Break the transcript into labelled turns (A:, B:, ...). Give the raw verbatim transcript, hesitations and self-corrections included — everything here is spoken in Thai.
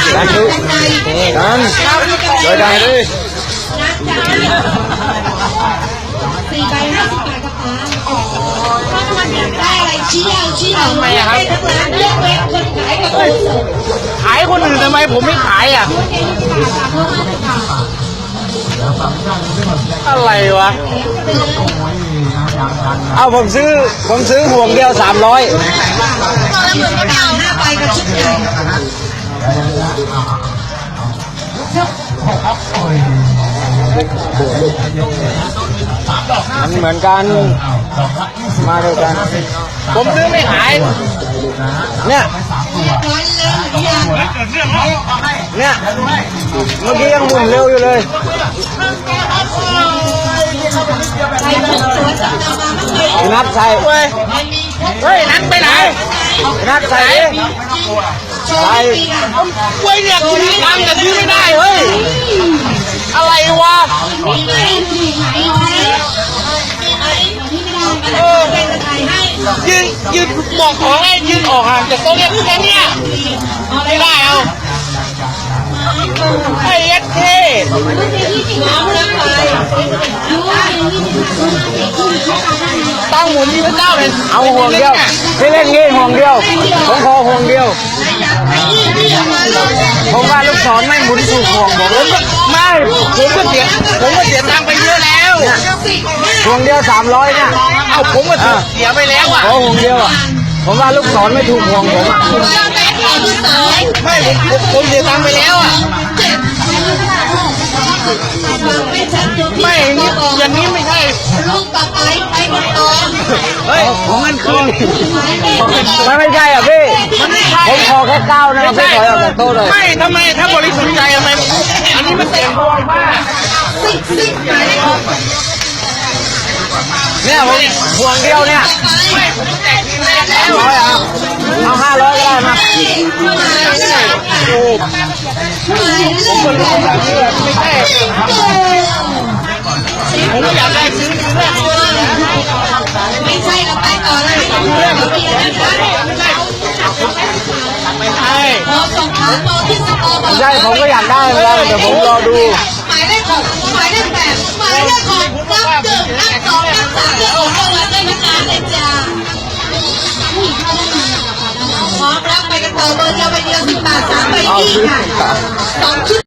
A: กันดูกันโดยได้เลย
B: สี่ใบห้าสิบบาทกับป้าถ้ามันอยากได้อะไรชี้เอาชี้เอาไม่ได้ทั้งร้านเลือกเว้นคนขายกับคนส่ง
C: ขายคนอื่นทำไมผมไม่ขายอ่ะอะไรวะ
A: เอาผมซื้อผมซื้อห่วงเดียวสามร้อย
B: ห้าใบกับชุดใหญ่
A: มันเหมือนกันมาด้วยกัน
C: ผมซื้อไม่ขาย
A: เนี่ยเนี่ยเมื่อกี้ยังหมุนเร็วอยู่เลยนัดใส่
C: เฮ้ยเฮ้ยนัดไปไหน
A: นัดใส่ใส่
C: เว้ยเนี่ยคุณทำแต่ซื้อไม่ได้เฮ้ยอะไรวะเออยืนยืนบอกขอให้ยืนออกห่างจากโต๊ะเนี่ยแค่เนี้ยไม่ได้เอาไอ้ยัดเท่ตั้งหมุนที่พระเจ้าเลย
A: เอาห่วงเดียวที่เล่นงี้ห่วงเดียวผมขอห่วงเดียวผมว่าลูกศรไม่หมุนถูกห่วงผม
C: ไม่ผมก็เสียผมก็เสียตังค์ไปเยอะแล้ว
A: ห่วงเดียวสามร้อยเนี่ย
C: เอาผมก็เสียไปแล้วอ่ะ
A: ขอห่วงเดียวอ่ะผมว่าลูกศรไม่ถูกห่วงผม
C: ไม่ผมผมเสียตังค์ไปแล้วอ่ะไม่อย่างนี้ไม่ใช่
B: ลูกต่อไปไปกันต่อ
C: เฮ้ยของมันคือ
A: มันไม่ใช่อ่ะพี่
C: มันไม่ใช่
A: ผมขอแค่เก้านะครับพี่ขอออกจากโต๊ะเลย
C: ไม่ทำไมถ้าบริสุทธิ์ใจทำไมอันนี้มันเสียงพวงมาก
A: เนี่ยผมห่วงเดียวเนี่ย
C: ไม่ผมแจกทีแรกแล้ว
A: ร้อยอ่ะเอาห้าร้อยก็ได้มา
C: ผมก็รู้แบบนี้ไม่ใช่ผมอยากได้ซื้อทีแรก
B: ไม่ใช่เราไปต่อเลยเรื่องเบียร์นะคะ
C: ไม่ใช่
B: พอส่งขาโตที่สตอบอก
A: ใช่ผมก็อยากได้เหมือนกันเดี๋ยวผมรอดู
B: หมายเลขหกหมายเลขแปดหมายเลขหกนับหนึ่งนับสองนับสามนับสี่นับห้าได้นะคะเลยจ้าพร้อมรับไปกันต่อเบอร์เดียวไปเดียวสิบบาทสามใบยี่ค่ะสองชุด